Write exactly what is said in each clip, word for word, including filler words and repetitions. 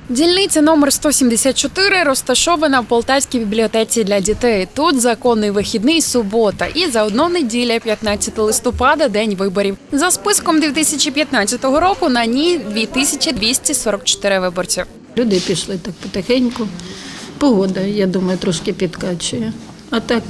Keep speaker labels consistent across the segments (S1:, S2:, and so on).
S1: Дільниця номер сто сімдесят чотири розташована в Полтавській бібліотеці для дітей. Тут законний вихідний – субота і заодно неділя, п'ятнадцятого листопада – день виборів. За списком дві тисячі п'ятнадцятого року на ній дві тисячі двісті сорок чотири виборців.
S2: Люди пішли так потихеньку. Погода, я думаю, трошки підкачує. А так,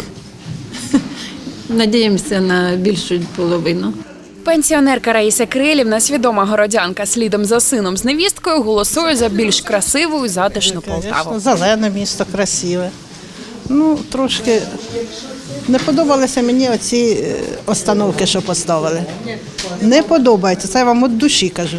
S2: надіємося на більшу половину.
S1: Пенсіонерка Раїса Крилівна, свідома городянка, слідом за сином з невісткою, голосує за більш красиву і затишну Полтаву.
S3: Зелене місто, красиве. Ну, трошки не подобалися мені оці остановки, що поставили. Не подобається, це я вам від душі кажу.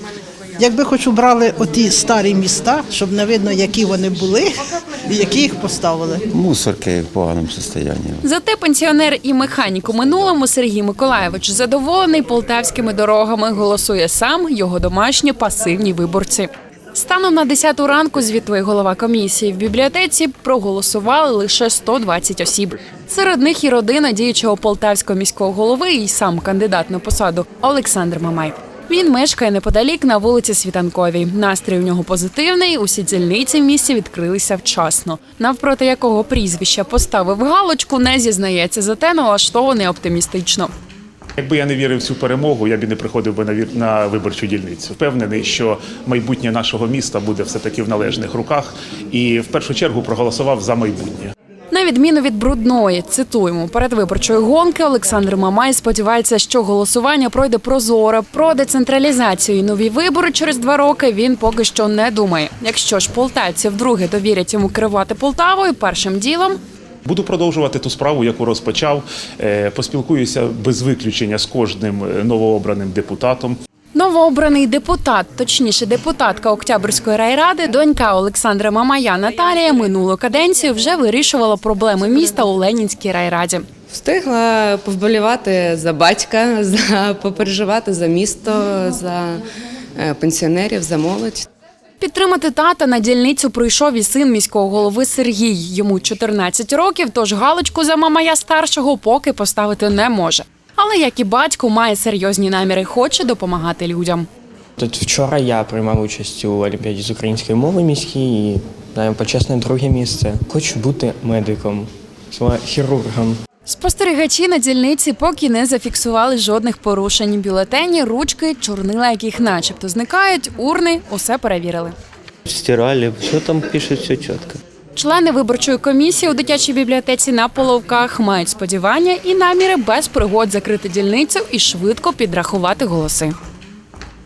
S3: Якби хоч убрали оті старі міста, щоб не видно, які вони були і які їх поставили.
S4: Мусорки в поганому стані.
S1: Зате пенсіонер і механік у минулому Сергій Миколаєвич задоволений полтавськими дорогами, голосує сам, його домашні пасивні виборці. Станом на десяту ранку звітує голова комісії. В бібліотеці проголосували лише сто двадцять осіб. Серед них і родина діючого полтавського міського голови, і сам кандидат на посаду Олександр Мамай. Він мешкає неподалік на вулиці Світанковій. Настрій у нього позитивний, усі дільниці в місті відкрилися вчасно. Навпроти якого прізвища поставив галочку, не зізнається, зате налаштований оптимістично.
S5: Якби я не вірив в цю перемогу, я б і не приходив би на, вір... на виборчу дільницю. Впевнений, що майбутнє нашого міста буде все-таки в належних руках і в першу чергу проголосував за майбутнє.
S1: На відміну від брудної, цитуємо, передвиборчої гонки Олександр Мамай сподівається, що голосування пройде прозоро. Про децентралізацію і нові вибори через два роки він поки що не думає. Якщо ж полтавці вдруге довірять йому керувати Полтавою, першим ділом
S5: Буду продовжувати ту справу, яку розпочав. Поспілкуюся без виключення з кожним новообраним депутатом.
S1: Новообраний депутат, точніше депутатка Октябрської райради, донька Олександра Мамая Наталія минулу каденцію вже вирішувала проблеми міста у Ленінській райраді.
S6: Встигла повболівати за батька, за попереживати за місто, за пенсіонерів, за молодь.
S1: Підтримати тата на дільницю прийшов і син міського голови Сергій. Йому чотирнадцять років, тож галочку за Мамая старшого поки поставити не може. Але, як і батько, має серйозні наміри, хоче допомагати людям.
S7: Тут вчора я приймав участь у Олімпіаді з української мови міській і займаю почесне друге місце. Хочу бути медиком, хірургом.
S1: Спостерігачі на дільниці поки не зафіксували жодних порушень. Бюлетені, ручки, чорнила, яких начебто зникають, урни – усе перевірили.
S8: Стирали, все там пише, все чітко.
S1: Члени виборчої комісії у дитячій бібліотеці на Половках мають сподівання і наміри без пригод закрити дільницю і швидко підрахувати голоси.